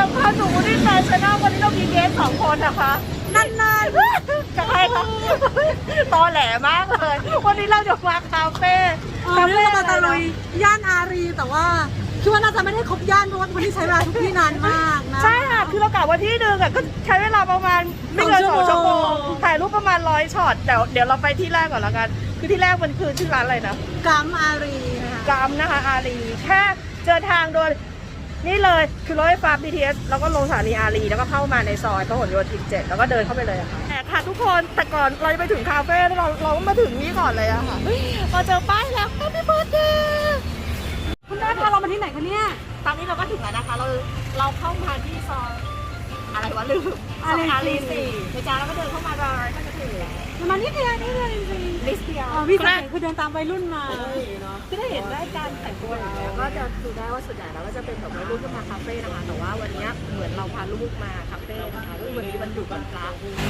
สำคัญหนูที่แฟชั่นวันนี้เรามีเกส2 คนนะคะนั่นจะใครคะตอแหลมากเลยวันนี้เราจะมาคาเฟ่นี่เรามาตะลุยย่านอารีแต่ว่าคิดว่าน่าจะไม่ได้ครบย่านเพราะว่าวันนี้ใช้เวลาทุกที่นานมากนะใช่ค่ะคือเรากะว่าที่หนึ่งก็ใช้เวลาประมาณไม่เกิน2 ชั่วโมงถ่ายรูปประมาณ100 ช็อตเดี๋ยวเราไปที่แรกก่อนแล้วกันคือที่แรกมันคือชื่อร้านอะไรนะกัมอารีกัมนะคะอารีแค่เจอทางโดยนี่เลยคือรถไฟฟ้า BTS แล้วก็ลงสถานีอารีแล้วก็เข้ามาในซอยพหลโยธิน 7แล้วก็เดินเข้าไปเลยค่ะแต่ค่ะทุกคนแต่ก่อนเราจะไปถึงคาเฟ่เรามาถึงนี่ก่อนเลยอะค่ะมาเจอป้ายแล้ว Happy Birthday คุณแม่พาเรามาที่ไหนคะเนี่ยตอนนี้เราก็ถึงแล้วนะคะเราเข้ามาที่ซอยอะไรวะลืมอารี4นะจ๊ะแล้วก็เดินเข้ามาเลยก็จะถึงแล้วมานี่เดียวจริงลิสเตียพี่สังเกตคือเดินตามวัยรุ่นมาคือได้เห็นได้การแต่งตัวอย่างเงี้ยก็จะดูได้ว่าส่วนใหญ่แล้วก็จะเป็นแบบวัยรุ่นที่มาคาเฟ่นะคะแต่ว่าวันนี้เหมือนเราพาลูกมาคาเฟ่นะคะวันนี้วันหยุดวันพระ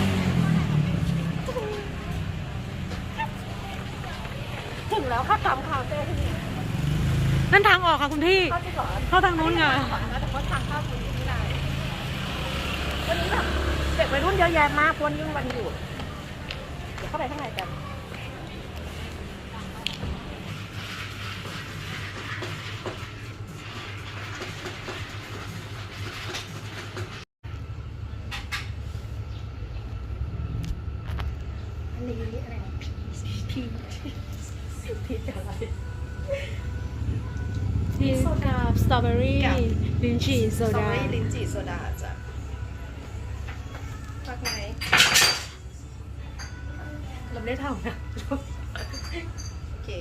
ถึงแล้วค่ะกัมคาเฟ่ที่นี่นั่นทางออกค่ะคุณพี่เข้าทางนู้นไงแต่ว่าทางเข้าคุณที่ไหนวันนี้แบบเด็กวัยรุ่นเยอะแยะมากวันนี้วันหยุดเดี๋ยวเข้าไปข้างในกันอันนี้อะไรพีอะไรพีชกับสตรอเบอรี่ลิ้นจี่โซดาลิ้นจี่โซดาจ้ะพักไหนเราไม่ได้ทำนะโอเค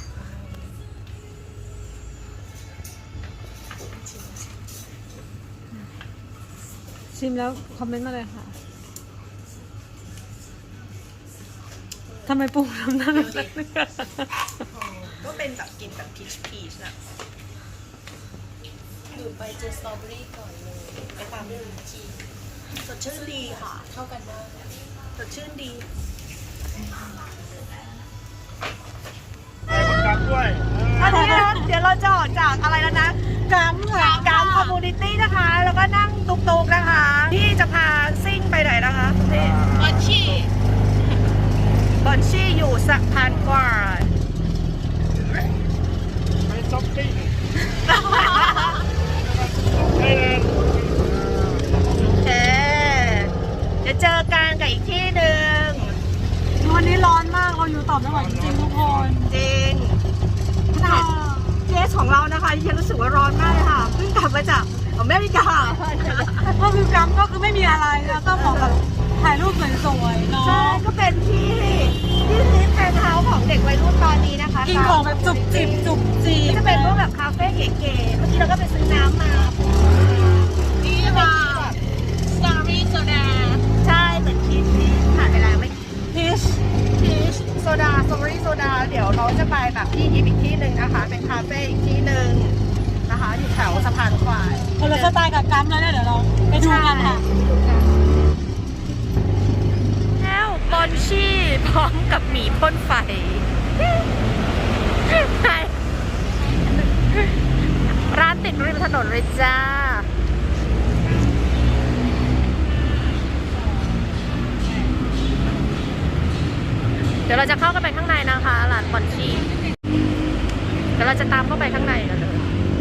ชิมแล้วคอมเมนต์มาเลยค่ะทำไมปรุงน้ำหน้าก็เป็นแบบกินแบบพีชนะดื่มไปเจอสตรอเบอรี่ก่อนเลยไปตามด้วยลิ้นจี่สดชื่นดีค่ะเข้ากันมากสดชื่นดีอันนี้นะเดี๋ยวเราจะออกจากอะไรแล้วนะกัมค่ะกัมคอมมูนิตี้นะคะแล้วก็นั่งตุกๆนะคะที่จะพาซิ่งไปไหนนะคะนี่บอนชี่อยู่สะพานกวาดไปจ็อกกิ้งโอเคเดี๋ยวเจอกันกับอีกที่หนึ่งวันนี้ร้อนมากเราอยู่ต่อไม่ไหวจริงทุกคนจริงขนาดเกสของเรานะคะยังรู้สึกว่าร้อนมากเลยค่ะเพิ่งกลับมาจากอเมริกาก็คือกัมก็คือไม่มีอะไรแล้วก็บอกแบบถ่ายรูปสวยๆเนาะใช่ก็เป็นที่ลิฟต์แฟนเฮาส์ของเด็กวัยรุ่นตอนนี้นะคะกินของแบบจุบจิบจะเป็นพวกแบบคาเฟ่เก๋ๆเมื่อกี้เราก็ไปซื้อน้ำมานี่ค่ะสตรอเบอรี่โซดาใช่เหมือนพีชผ่านไปแล้วไม่พีชโซดาสตรอเบอรี่โซดาเดี๋ยวเราจะไปแบบที่อีกที่หนึ่งนะคะเป็นคาเฟ่อีกที่หนึ่งนะคะอยู่แถวสะพานควายคนละสไตล์กับกัมแล้วเนี่ยเดี๋ยวเราไปดูกันค่ะแล้วบอนชี่พร้อมกับหมีพ่นไฟร้านติดริมถนนเลยจ้าเดี๋ยวเราจะเข้ากันไปข้างในนะคะร้านบอนชี่เดี๋ยวเราจะตามเข้าไปข้างในกันเลย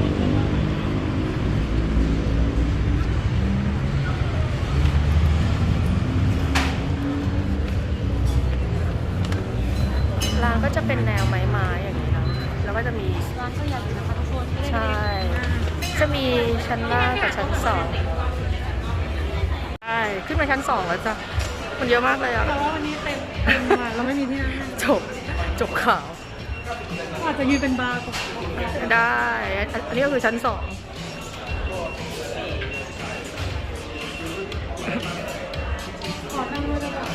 ร้านก็จะเป็นแนวไม้ๆอย่างนี้นะแล้วก็จะมีร้านก็ใหญ่อยู่นะคะทุกคนใช่จะมีชั้นล่างกับชั้น2ใช่ขึ้นไปชั้น2แล้วจ้ะมันเยอะมากเลยอ่ะแต่ว่าวันนี้เต็มมาเราไม่มีที่นั่งจบข่าวอาจจะยืนเป็นบาร์ก็ได้อันนี้ก็คือชั้น2 ขอนั่งด้วยได้ไหม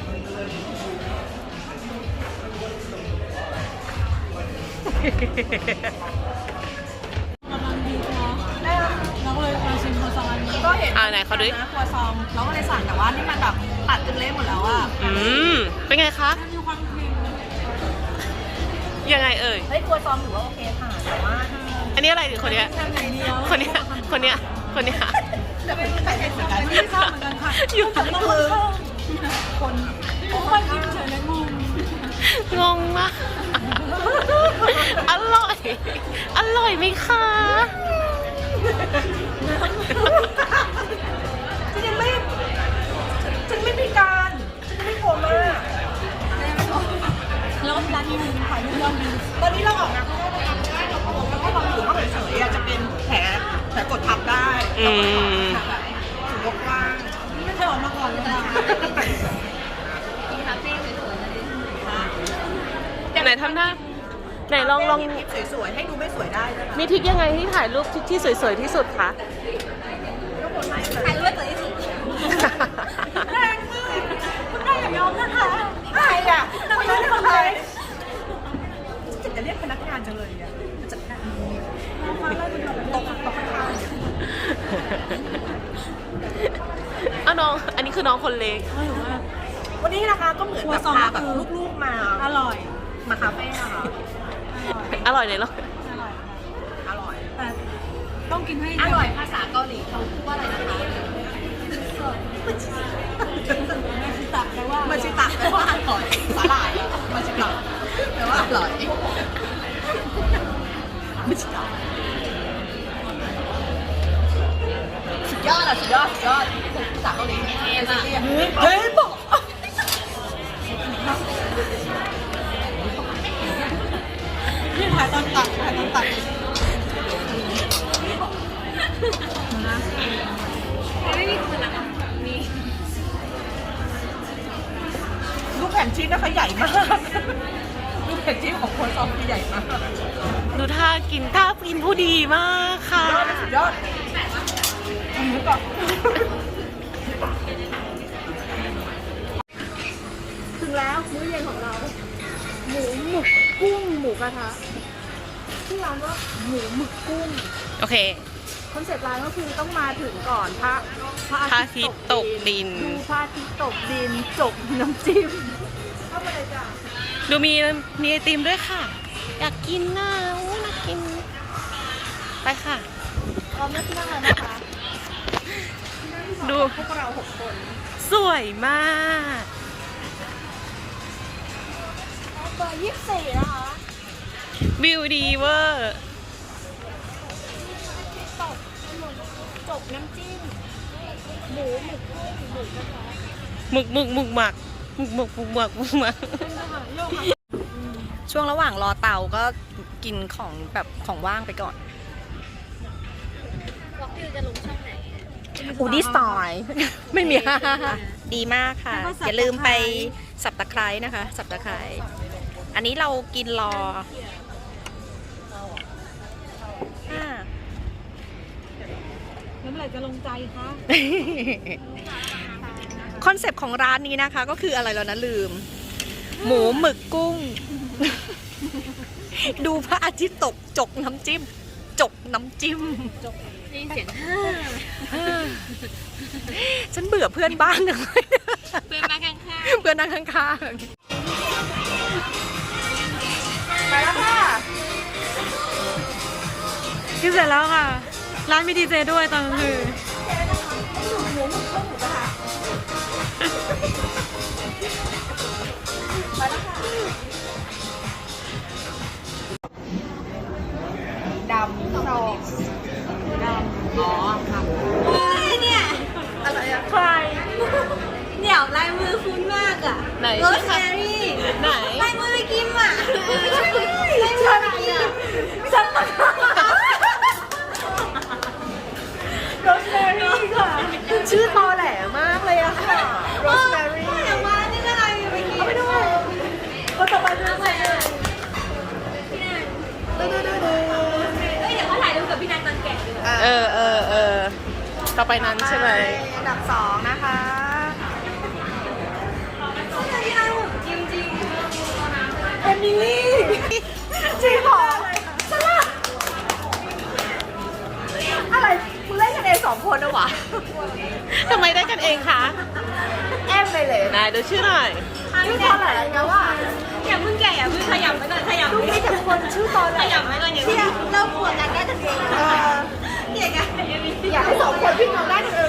กำลังดีเนาะเราก็เลยมาชิมครัวซองอันนี้ก็เห็นไหนเขาดูครัวซองเราก็เลยสั่งแต่ว่านี่มันแบบตัดจนเละหมดแล้วอ่ะเป็นไงคะมีความครีมยังไงเอ่ยเฮ้ยครัวซองถือว่าโอเคค่ะแต่ว่าอันนี้อะไรหรือคนเนี้ยคนเนี้ยแต่คนที่ใส่เป็นเหมือนกันไม่ทราบเหมือนกันค่ะอยู่แต่ต้องคนคนโอ้ยยิ้มเฉยเลยงงงงมากอร่อย อร่อยไหมคะฉันไม่พิการฉันไม่โกงมากแล้วก็ร้านนี้ขายเรื่องดีตอนนี้เราออกนะเพราะว่าเราโกงแล้วก็ลองอยู่ว่าเฉยๆจะเป็นแผลกดทับได้ถือว่าว่างไม่เคยออกมาก่อนเลยค่ะไหนทำหน้าไหนลองคลิปสวยๆให้ดูไม่สวยได้นะคะมีทริคยังไงที่ถ่ายรูปที่สวยๆที่สุดคะใครรู้ว่าสวยที่สุดแรงมากคุณได้อย่ายอมนะคะใครอ่ะคนนั้นคนไหนจะเรียกพนักงานจังเลยอ่ะจัดการตกข้างเอาน้อง อันนี้คือน้องคนเล็กวันนี้นะคะก็เหมือนแบบพาแบบลูกๆมาอร่อยมาคาเฟ่นะคะอร่อยเลยเหรออร่อยแต่ต้องกินให้อร่อยภาษาเกาหลีเขาพูดว่าอะไรนะคะตักแต่ว่ามาชิตะแปลว่าอร่อยสาหร่ายอะมาชิตะแปลว่าอร่อยมาชิตะสุดยอดภาษาเกาหลีเฮ้ยบอกที่ถ่ายตอนตักลูกแผ่นชีสนะคะใหญ่มากลูกแผ่นชีสของคนซองคือใหญ่มากดูท่ากินผู้ดีมากค่ะสุดยอดหมูกรอบถึงแล้วมื้อเย็นของเรา หมูหมึกกุ้งหมูกระทะที่ร้านว่าหมูหมึกกุ้งโอเคคอนเซ็ปต์ร้านก็คือต้องมาถึงก่อนพระพระอาทิตย์ตกดินดูพระอาทิตย์ตกดินจบน้ำจิ้มเข้ามาเลยจ้ะดูมีไอติมด้วยค่ะ อยากกินน่ะอู้น่ากิน ไปค่ะพร้อมนะที่นั่งแล้วนะคะดูพวกเรา6 คนสวยมากเบอร์24นะคะวิวดีเวอร์จบน้ำจิ้มหมูหมึกกุ้งหมูกระทะหมึกหมักช่วงระหว่างรอเตาก็กินของแบบของว่างไปก่อนอูดี้สไตล์ไม่มี ดีมากค่ะ อย่าลืมไปสับตะไคร้นะคะ สับตะไคร้อันนี้เรากินรอแล้วเมื่อไหร่จะลงใจคะคอนเซปต์ของร้านนี้นะคะก็คืออะไรแล้วนะลืม หมูหมึกกุ้ง ดูพระอาทิตย์ตกจกน้ำจิ้ม จกน้ำจิ้มนี่เสียงฉันเบื่อเพื่อนบ้านเลยเพื่อนมาข้างเพื่อนนั่งข้างๆไปแล้วค่ะกินเสร็จแล้วค่ะ ร้านมีดีเจด้วยตอนกลางคืนดำโรดำอ๋อครับเนี่ยอะไรอะใครเดี๋ยวลายมือคุ้นมากอ่ะไหนโรสแมรี่ไหนลายมือไปกิมอ่ะลายมือไปกิมฉันมาโรสแมรี่ค่ะชื่อตอแหลมากเลยอะค่ะโรสแมรี่อย่ามานี่ก็ลายมือไปกิมเอาไปด้วยคนต่อไปเรื่องอะไรอะเดี๋ยวเขาถ่ายรูปกับพี่นันตอนแก่ดีกว่าต่อไปนั้นใช่ไหมอันดับ2นะคะพี่นันจริงเอมิลี่จริงเหรอฉลาดอะไรมึงเล่นกันเอง2 คนนะวะทำไมได้กันเองคะแอมไปเลยนายดูชื่อหน่อยชื่อตอแหลนะว่าอย่าเพิ่งแก่อย่าเพิ่งขยับไปก่อนขยับดูมีแต่คนชื่อตอแหลขยับไปก่อนอย่าที่เริ่มปวดกันได้ทันทีเออเก่งอะอยากให้2 คนพี่น้องได้กัน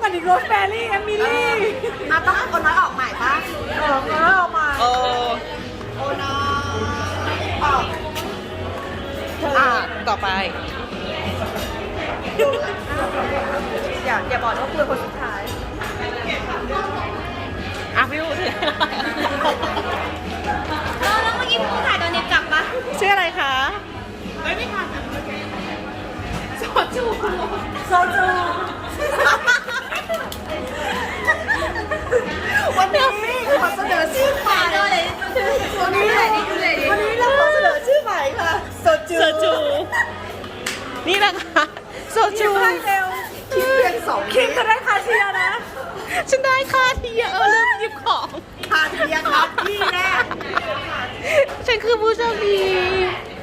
อันนี้โรสแบรี่เอมิลี่ต้องโอนน้อยออกใหม่ปะแล้วเอามาโอ้โอนน้อยออกต่อไปอย่าบอกว่าคุยคนสุดท้ายพี่อู๋ถือแล้วเมื่อกี้ผู้ถ่ายตอนนี้กลับปะชื่ออะไรคะโซจูวันนี้ขอเสนอชื่อใหม่วันนี้เราขอเสนอชื่อใหม่ค่ะโซจูโซจู นี่นะคะโซจูให้เร็วคิดเพียง2 คิมจะได้คาเชียร์นะฉันได้ค่าที่ลืมหยิบของขาดเพียงครับที่แรกฉันคือผู้โชคดี